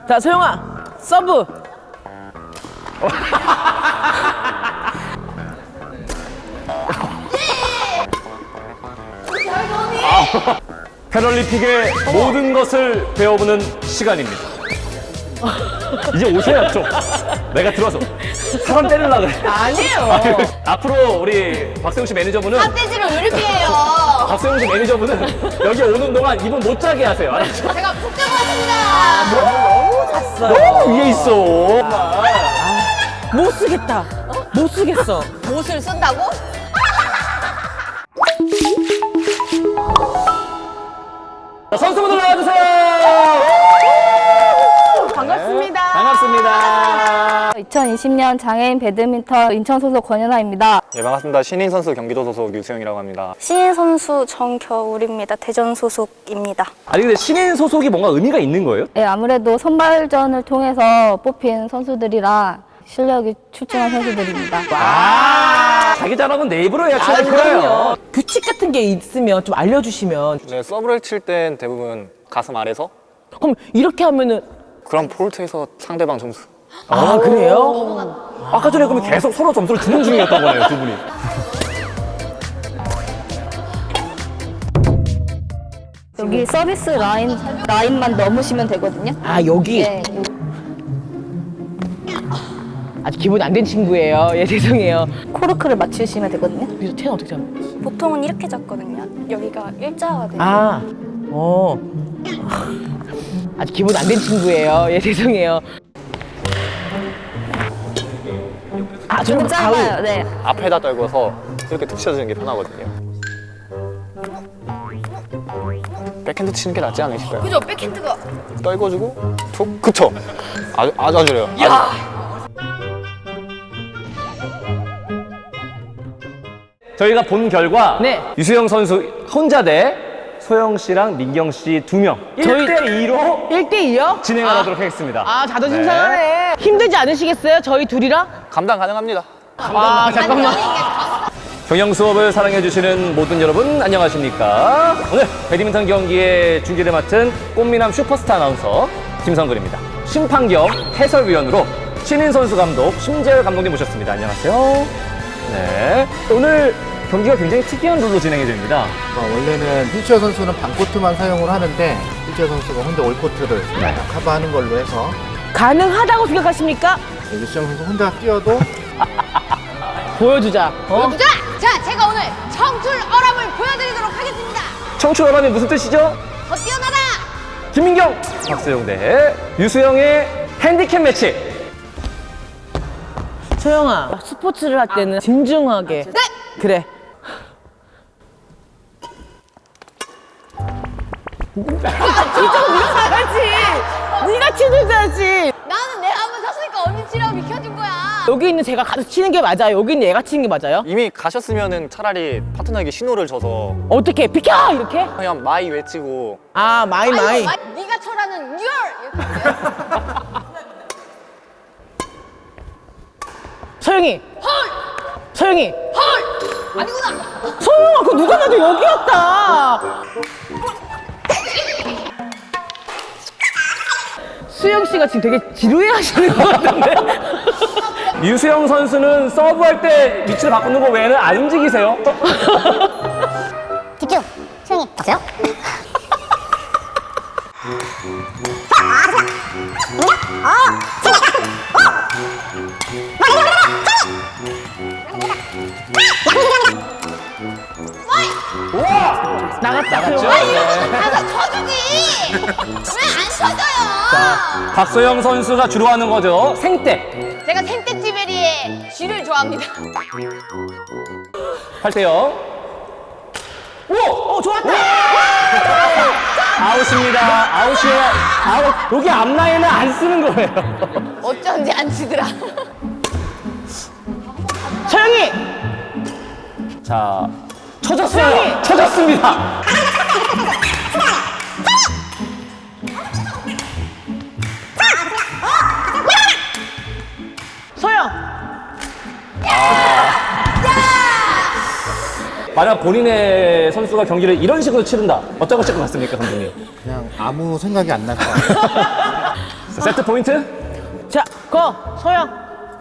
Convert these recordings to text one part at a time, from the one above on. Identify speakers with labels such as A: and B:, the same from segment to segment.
A: 자, 소영아, 서브.
B: 패럴림픽의 모든 것을 배워보는 시간입니다. 이제 오셔야죠. 내가 들어와서 사람 때리려고 그래.
A: 아니에요.
B: 앞으로 우리 박세웅 씨 매니저분은
C: 삿대질을 왜 이렇게 해요?
B: 박세웅 씨 매니저분은 여기 오는 동안 이분 못 자게 하세요. 알았죠?
C: 제가 푹 잡았습니다.
A: 너무 잤어요.
B: 너무 위에 있어.
A: 못 쓰겠다. 못 쓰겠어.
C: 못을 쓴다고?
B: 자, 선수분들 나와주세요.
A: 반갑습니다.
B: 반갑습니다.
D: 2020년 장애인 배드민턴 인천 소속 권연아입니다.
E: 네, 반갑습니다. 신인 선수 경기도 소속 유수영이라고 합니다.
D: 신인 선수 정겨울입니다. 대전 소속입니다.
B: 아니 근데 신인 소속이 뭔가 의미가 있는 거예요?
D: 네, 아무래도 선발전을 통해서 뽑힌 선수들이라 실력이 출중한 선수들입니다.
B: 자기 자랑은 내 입으로 해야
A: 아,
B: 차는
A: 그럼요.
B: 거예요.
A: 규칙 같은 게 있으면 좀 알려주시면.
E: 네, 서브를 칠 땐 대부분 가슴 아래서,
A: 그럼 이렇게 하면은.
E: 그럼 폴트에서 상대방 점수.
A: 아, 그래요?
B: 아까 전에 그러면 계속 서로 점수를 주는 중이었던 거네요, 두 분이.
D: 여기 서비스 라인만 넘으시면 되거든요.
A: 아, 여기.
D: 네,
A: 아직 기본이 안 된 친구예요. 예, 죄송해요.
D: 코르크를 맞추시면 되거든요.
A: 그래서 채는 어떻게 잡는
D: 보통은 이렇게 잡거든요. 여기가 일자가 돼요.
A: 아, 아직 기본이 안 된 친구예요. 예, 죄송해요. 아, 저는
D: 좀 짧아요. 네.
E: 앞에다 떨궈서 이렇게 툭 쳐주는 게 편하거든요. 백핸드 치는 게 낫지 않으실까요?
C: 그죠? 백핸드가.
E: 떨궈주고 툭, 그쵸? 아주 좋아요.
B: 저희가 본 결과
A: 네.
B: 유수영 선수 혼자 대 소영 씨랑 민경 씨 두 명
A: 저희-
B: 1대2로
A: 1대2요?
B: 진행을 하도록 하겠습니다.
A: 아, 자존심 상하네. 힘들지 않으시겠어요? 저희 둘이랑?
E: 감당 가능합니다.
A: 아, 잠깐만.
B: 경영 수업을 사랑해주시는 모든 여러분 안녕하십니까? 오늘 배드민턴 경기의 중계를 맡은 꽃미남 슈퍼스타 아나운서 김성근입니다. 심판 겸 해설위원으로 신인 선수 감독 심재열 감독님 모셨습니다. 안녕하세요. 네, 오늘 경기가 굉장히 특이한 룰로 진행이 됩니다.
F: 원래는 휠체어 선수는 반코트만 사용을 하는데 휠체어 선수가 혼자 올코트를 커버하는 걸로 해서
A: 가능하다고 생각하십니까?
F: 유수영 선수 혼자 뛰어도
A: 보여주자.
C: 보여주자! 자, 제가 오늘 청출어람을 보여드리도록 하겠습니다.
B: 청출어람이 무슨 뜻이죠?
C: 더 뛰어나라!
B: 김민경, 박세용 대 유수영의 핸디캡 매치.
A: 소영아, 스포츠를 할 때는 진중하게.
C: 네!
A: 그래. 이쪽은 네가 가야지. 네가 치는자지.
C: 나는 내가 한번 섰으니까 언니 치라고 비켜준 거야.
A: 여기 있는 제가 가서 치는 게 맞아요. 여기 있는 얘가 치는 게 맞아요.
E: 이미 가셨으면은 차라리 파트너에게 신호를 줘서
A: 어떻게 비켜 이렇게?
E: 그냥 마이 외치고
A: 아, 마이.
C: 네가 쳐라는 열! 이렇게.
A: 소영이.
C: 헐!
A: 소영이.
C: 헐! 아니구나!
A: 소영아, 그거 누가 봐도 여기였다. 수영 씨가 지금 되게 지루해 하시는 것 같은데.
B: 유수영 선수는 서브할 때 위치를 바꾸는 거 외에는 안 움직이세요.
G: 집중! 수영이 박수요?
A: 나갔다.
C: 가서 쳐주지! 왜 안 쳐줘요?
B: 박소영 선수가 주로 하는 거죠. 생떼.
C: 제가 생떼찌베리의 쥐를 좋아합니다.
B: 8대0. 오!
A: 좋았다.
B: 아웃입니다. 아웃이에요. 아웃. 여기 앞라인은 안 쓰는 거예요.
C: 어쩐지 안 치더라.
A: 소영이.
B: 자, 쳐졌어요. 쳐졌습니다.
A: 소영.
B: 만약 본인의 선수가 경기를 이런 식으로 치른다. 어떤 걸 칠것 같습니까, 감독님?
F: 그냥 아무 생각이 안 날 것 같아요.
B: 자, 세트 포인트.
A: 자, 서영.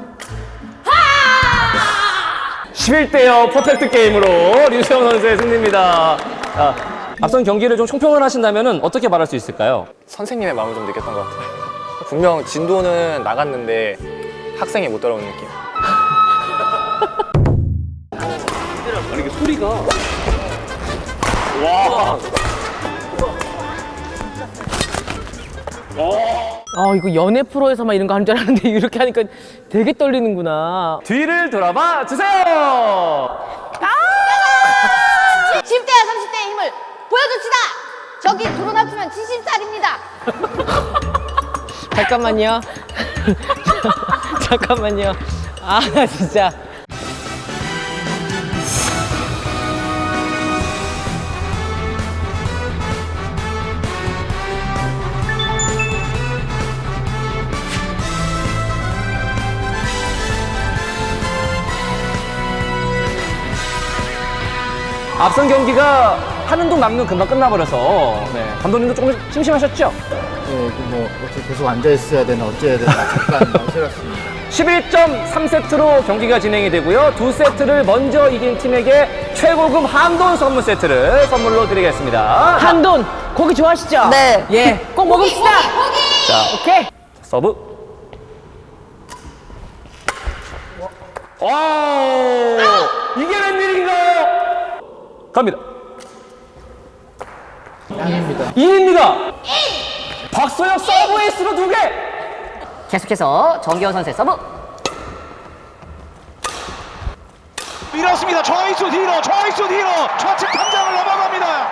B: 11대0 퍼펙트 게임으로 류수영 선수의 승리입니다. 자, 앞선 경기를 좀 총평을 하신다면 어떻게 말할 수 있을까요?
E: 선생님의 마음을 좀 느꼈던 것 같아요. 분명 진도는 나갔는데 학생이 못 따라오는 느낌.
B: 아니 이게 소리가 와.
A: 이거 연애 프로에서만 이런 거 하는 줄 알았는데 이렇게 하니까 되게 떨리는구나.
B: 뒤를 돌아봐 주세요.
C: 10대와 30대의 힘을 보여줍시다. 저기 드론 합치면 70살입니다.
A: 잠깐만요. 잠깐만요. 아, 진짜.
B: 앞선 경기가 하는 동 막는 금방 끝나버려서 감독님도 조금 심심하셨죠?
F: 네, 뭐 어떻게 계속 앉아 있어야 되나 어째야 되나 잠깐 망설였습니다.
B: 11.3세트로 경기가 진행이 되고요. 2세트를 먼저 이긴 팀에게 최고급 한돈 선물 세트를 선물로 드리겠습니다.
A: 한돈, 고기 좋아하시죠?
D: 네.
A: 예, 꼭 먹읍시다.
B: 자,
A: 오케이.
B: 서브. 와, 이게 웬일인가요? 갑니다. 2입니다. 박소영 서브 에이스로 2개.
G: 계속해서 정기현 선수의 서브.
H: 밀었습니다. 좌익수 뒤로 좌측 탐장을 넘어갑니다.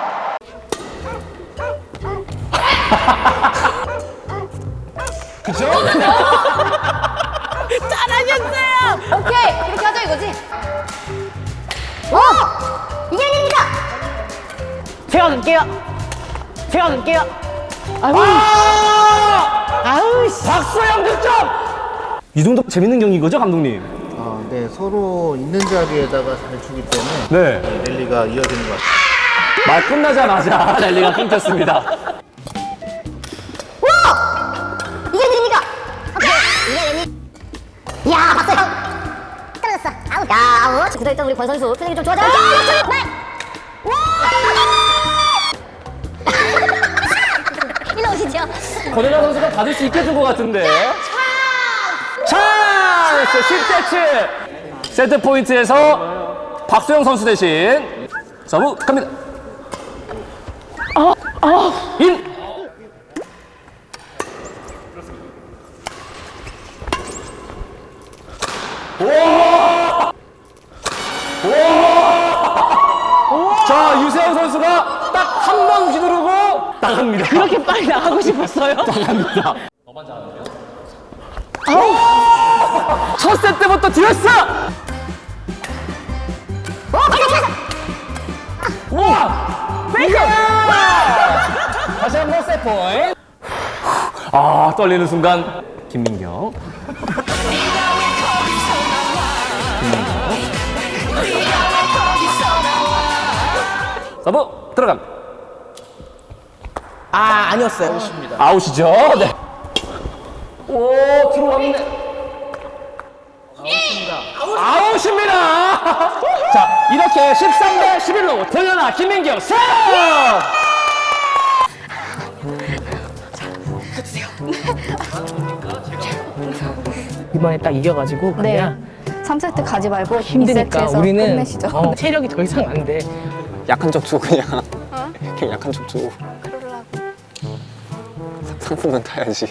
B: 그죠?
A: 잘하셨어요.
C: 오케이, 이렇게 하자 이거지. 이게 아닙니다.
A: 제가 갈게요. 아우, 씨.
B: 박소영 득점. 이 정도 재밌는 경기인 거죠, 감독님?
F: 네, 서로 있는 자리에다가 잘 주기 때문에
B: 네.
F: 랠리가 이어지는 것 같아요.
B: 말 끝나자마자 랠리가 끊겼습니다.
C: 이게 아닙니다. 이야, 박서영. 떨어졌어. 아웃. 야, 아웃. 굳어있던 우리 권 선수 표정이 좀 좋아져. 네. 일로 오시죠.
B: 권은하 선수가 받을 수 있게 준 것 같은데. 찬스! 10대7. 세트 포인트에서 박소영 선수 대신 서브 갑니다. 인! 와! 자, 유세영 선수가 딱 한 번 휘두르고 나갑니다.
A: 그렇게 빨리 나가고 싶었어요?
B: 나갑니다. 첫 세트부터 뒤였어! 와! 페이크! 다시 한번 세 포인트. 아, 떨리는 순간 김민경. 서브 들어갑니다.
A: 아니었어요.
B: 아웃이죠. 네. 오, 들어왔네. 아웃입니다. 자, 이렇게 13대 11로 권연아 김민경 승!
A: 이번에 딱 이겨가지고
D: 네.
A: 그냥
D: 3세트 가지 말고
A: 힘드니까
D: 2세트에서
A: 우리는
D: 끝내시죠.
A: 체력이 더 이상 안 돼.
E: 약한 척 주고 그냥. 그냥 약한 척 주고. 상품은 타야지.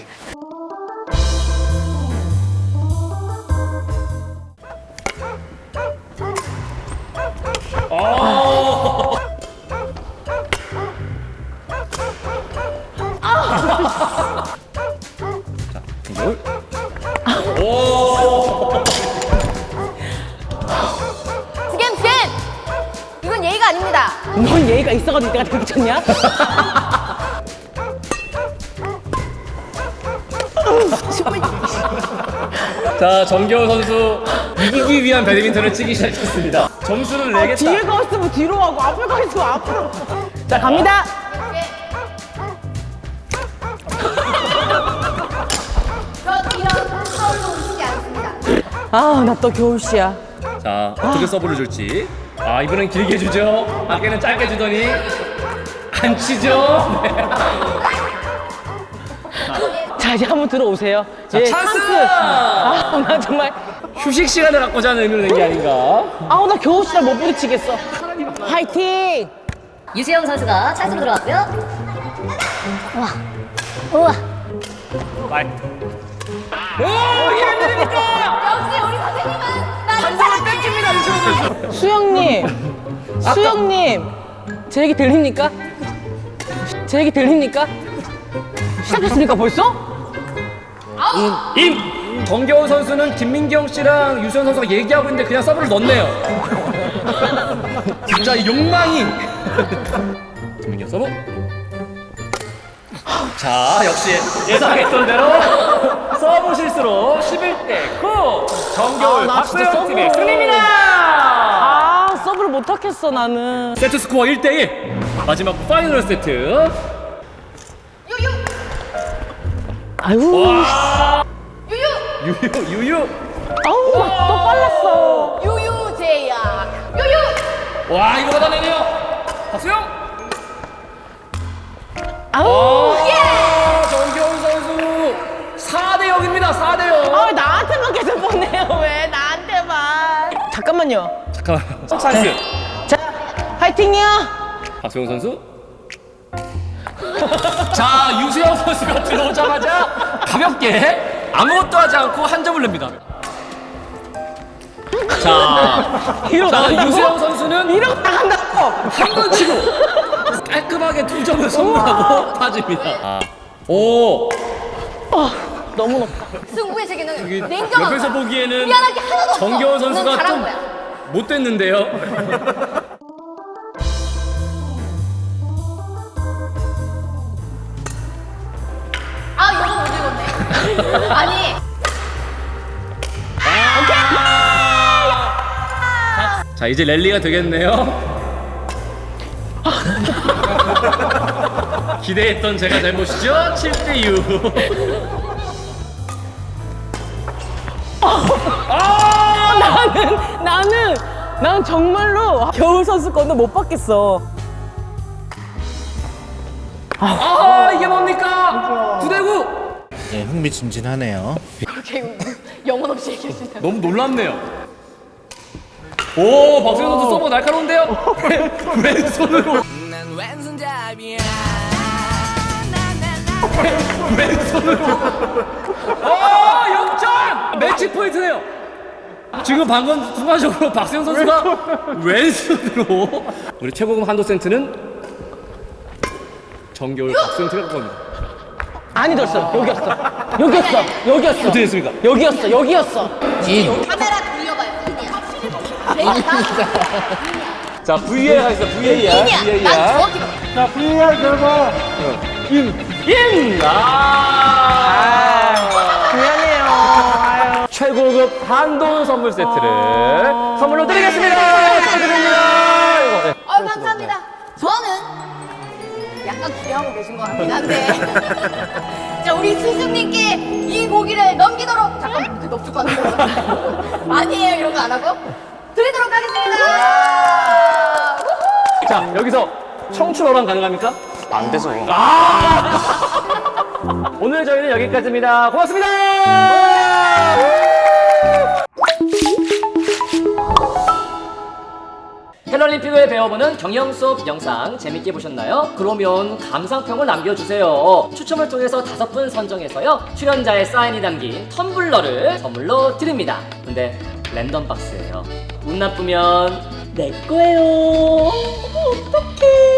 C: 스캔. 이건 예의가 아닙니다.
A: 넌 예의가 있어가지고 내가 그렇게 쳤냐?
B: 자, 정겨운 선수 이기기 위한 배드민턴을 치기 시작했습니다. 점수를 내겠다.
A: 뒤에 가 있으면 뒤로 하고 앞에 가 있으면 앞으로. 자, 갑니다. 아, 나 또 겨울씨야.
B: 자, 어떻게 서브를 줄지. 아, 이번엔 길게 주죠. 아까는 짧게 주더니 안 치죠. 네.
A: 자, 이제 한번 들어오세요.
B: 자,
A: 예,
B: 찬스!
A: 아, 나 정말.
B: 휴식 시간을 갖고자 하는 의미로 낸 게 아닌가.
A: 아우, 나 겨울씨랑 못 부딪히겠어. 화이팅!
C: 유수영 선수가 찬스로 들어왔고요. 우와. 우와.
A: 수영님, 제 얘기 들립니까? 제 얘기 들립니까? 시작했습니까 벌써?
B: 정겨운 선수는 김민경 씨랑 유수현 선수가 얘기하고 있는데 그냥 서브를 넣네요. 진짜 이 욕망이. 김민경 서브. 자, 역시 예상했던 대로 서브 실수로 11대 9. 정겨울
A: 나 진짜
B: 박소영 팀의
A: 서브.
B: 승리입니다.
A: 아, 서브를 못 하겠어 나는.
B: 세트 스코어 1대 1. 마지막 파이널 세트.
A: 아유,
B: 유유.
A: 아우, 또 빨랐어.
B: 와, 이거 받아내네요. 박수영.
A: 아우,
B: 정겨운 선수 4대 0입니다. 4대 0.
A: 아, 나한테만 계속 보내요. 왜 나한테만? 잠깐만요.
B: 잠깐만. 찬스.
A: 자, 화이팅이요.
B: 박수영 선수. 자, 유수영 선수가 들어오자마자 가볍게 아무것도 하지 않고 한 점을 냅니다. 자,
A: 이러고 나간다고?
B: 유수영 선수는
A: 이러고 나간다고.
B: 한 번 치고 깔끔하게 2점을 선물하고 빠집니다. 아. 오,
A: 너무 높다.
C: 승부의 세계는
B: 여기
C: 냉정한
B: 옆에서
C: 거야.
B: 보기에는
C: 미안할 게 하나도 없어.
B: 정겨운
C: 넌
B: 선수가
C: 잘한
B: 좀
C: 거야.
B: 못됐는데요.
C: 아, 이거 못 읽었네. 아니.
B: 자, 이제 랠리가 되겠네요. 기대했던 제가 잘못이죠? 7대 6.
A: 나는 정말로 겨울 선수 거는 못 받겠어.
B: 아, 이게 뭡니까? 9대 9.
F: 네, 흥미진진하네요.
C: 영혼 없이 얘기해준다.
B: 너무 놀랍네요. 오, 박수영 선수 서브 날카로운데요? 왼손으로. 왼손으로. 역전! 매치 포인트네요. 지금 방금 순간적으로 박수영 선수가 왼손으로. 우리 최고급 한도 센트는 정겨울 박수영 팀의 겁니다.
A: 아니었어. 여기였어.
B: 어떻게 됐습니까?
A: 여기였어.
C: 카메라 돌려봐요.
B: 자, VAR 하겠습니다. VAR.
C: 인이야. 난 정확히 봐.
F: 자, VAR 결과
B: 인!
A: 미안해요.
B: 최고급 한돈 선물 세트를 선물로 드리겠습니다. 축하드립니다. 이거. 네.
C: 감사합니다. 저는 약간 기대하고 계신 것 같긴 한데. 자, 우리 스승님께 이 고기를 넘기도록. 잠깐만, 그 넙죽 하는 거. 아니에요, 이런 거 안 하고. 드리도록 하겠습니다.
B: 자, 여기서 청춘어랑 가능합니까?
E: 안 돼서.
B: 오늘 저희는 여기까지입니다. 고맙습니다. 패럴림픽을 배워보는 경영 수업 영상 재밌게 보셨나요? 그러면 감상평을 남겨주세요. 추첨을 통해서 5분 선정해서요, 출연자의 사인이 담긴 텀블러를 선물로 드립니다. 근데 랜덤 박스예요. 운 나쁘면 내 거예요. 어떡해.